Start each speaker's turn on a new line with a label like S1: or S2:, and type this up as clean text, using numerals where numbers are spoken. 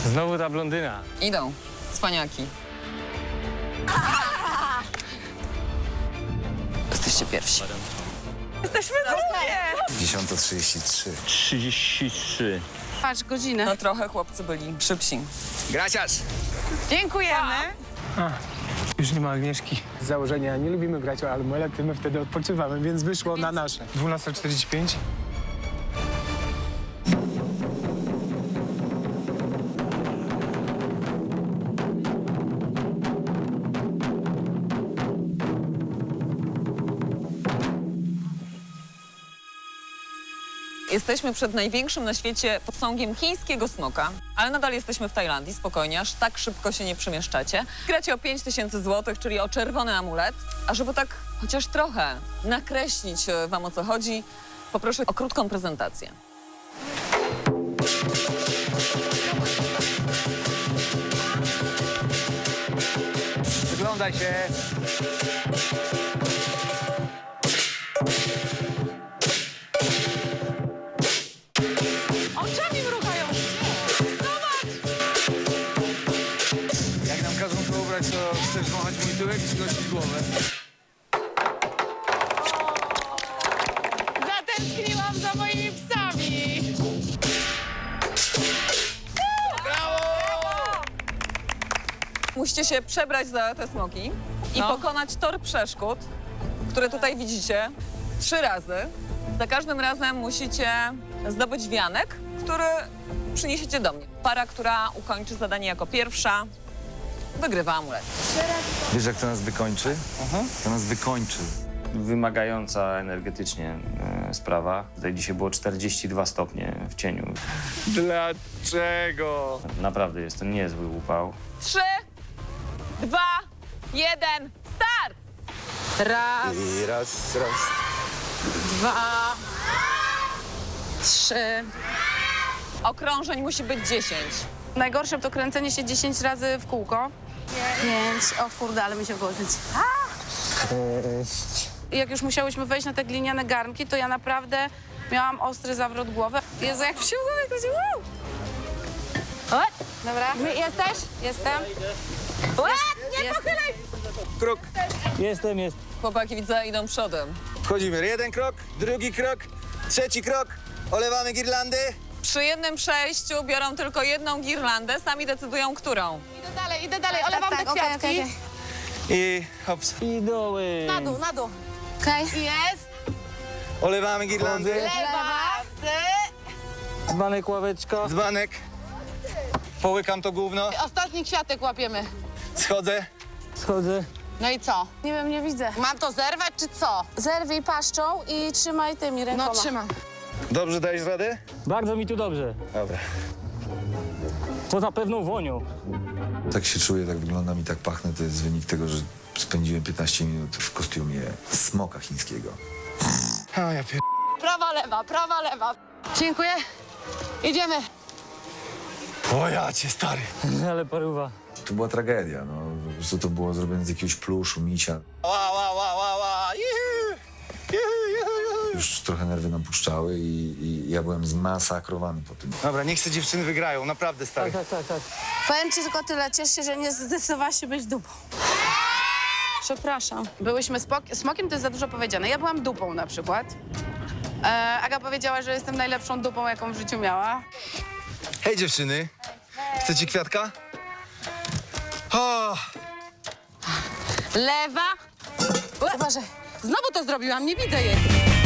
S1: Znowu ta blondyna.
S2: Idą. Cwaniaki. Jesteście pierwsi.
S3: Jesteśmy drugie!
S4: 10:33.
S1: 33.
S3: Patrz, godzinę.
S2: No trochę chłopcy byli szybsi.
S4: Gracias!
S3: Dziękujemy.
S1: Już nie ma Agnieszki.
S5: Z założenia nie lubimy grać o almuelety, my wtedy odpoczywamy, więc wyszło na nasze.
S1: 12:45.
S2: Jesteśmy przed największym na świecie posągiem chińskiego smoka, ale nadal jesteśmy w Tajlandii, spokojnie, aż tak szybko się nie przemieszczacie. Gracie o 5000 zł, czyli o czerwony amulet, a żeby tak chociaż trochę nakreślić wam, o co chodzi, poproszę o krótką prezentację.
S1: Wyglądaj się.
S3: Oczami mrugają.
S1: Jak nam każą to ubrać, to chcesz wąchać mój tyłek czy gościć głowę?
S3: Zatęskniłam za moimi psami.
S2: Musicie się przebrać za te smoki i pokonać tor przeszkód, które tutaj widzicie 3 razy. Za każdym razem musicie zdobyć wianek, który przyniesiecie do mnie. Para, która ukończy zadanie jako pierwsza, wygrywa amulet.
S4: Wiesz, jak to nas wykończy? To nas wykończy.
S6: Wymagająca energetycznie sprawa. Tutaj dzisiaj było 42 stopnie w cieniu.
S1: Dlaczego?
S6: Naprawdę jest to niezły upał.
S2: 3, 2, 1, start!
S3: Raz,
S4: I raz.
S3: 2, 3.
S2: Okrążeń musi być 10.
S3: Najgorsze to kręcenie się 10 razy w kółko. 5. O kurde, ale mi się włożyć. Jak już musiałyśmy wejść na te gliniane garnki, to ja naprawdę miałam ostry zawrót głowy. Jezu, jak się jakoś... Dobra. Jesteś? Jestem. Nie pochylaj!
S4: Krok.
S1: Jestem.
S2: Chłopaki, widzę, idą przodem.
S4: Wchodzimy. 1 krok, 2 krok, 3 krok. Olewamy girlandy.
S2: Przy jednym przejściu biorą tylko jedną girlandę, sami decydują, którą.
S3: Idę dalej, olewam te kwiatki.
S4: I hops.
S1: I doły.
S3: Na dół. Okej. Jest.
S4: Olewamy girlandy.
S3: Lewa.
S1: Dzbanek, ławeczka.
S4: Dzbanek. Połykam to gówno.
S7: Ostatni kwiatek łapiemy.
S4: Schodzę.
S1: Schodzę.
S7: No i co?
S3: Nie wiem, nie widzę.
S7: Mam to zerwać, czy co?
S3: Zerwij paszczą i trzymaj tymi rękoma.
S7: No trzymam.
S4: Dobrze dajesz radę?
S1: Bardzo mi tu dobrze.
S4: Dobra.
S1: Poza pewną wonią.
S8: Tak się czuję, tak wyglądam i tak pachnę. To jest wynik tego, że spędziłem 15 minut w kostiumie smoka chińskiego.
S4: A ja pier...
S7: Prawa, lewa. Dziękuję. Idziemy.
S4: O ja cię, stary.
S1: Ale paruwa.
S8: To była tragedia, no. Po prostu to było zrobione z jakiegoś pluszu, micia.
S4: Ła.
S8: Już trochę nerwy nam puszczały i ja byłem zmasakrowany po tym.
S4: Dobra, niech te dziewczyny wygrają, naprawdę, stary.
S1: Tak.
S3: Powiem ci tylko tyle, ciesz się, że nie zdecydowałaś się być dupą. Przepraszam. Byłyśmy smokiem, to jest za dużo powiedziane. Ja byłam dupą na przykład. Aga powiedziała, że jestem najlepszą dupą, jaką w życiu miała.
S4: Hej, dziewczyny. Chcecie kwiatka? O!
S7: Lewa.
S3: Uważaj.
S7: Znowu to zrobiłam, nie widzę jej.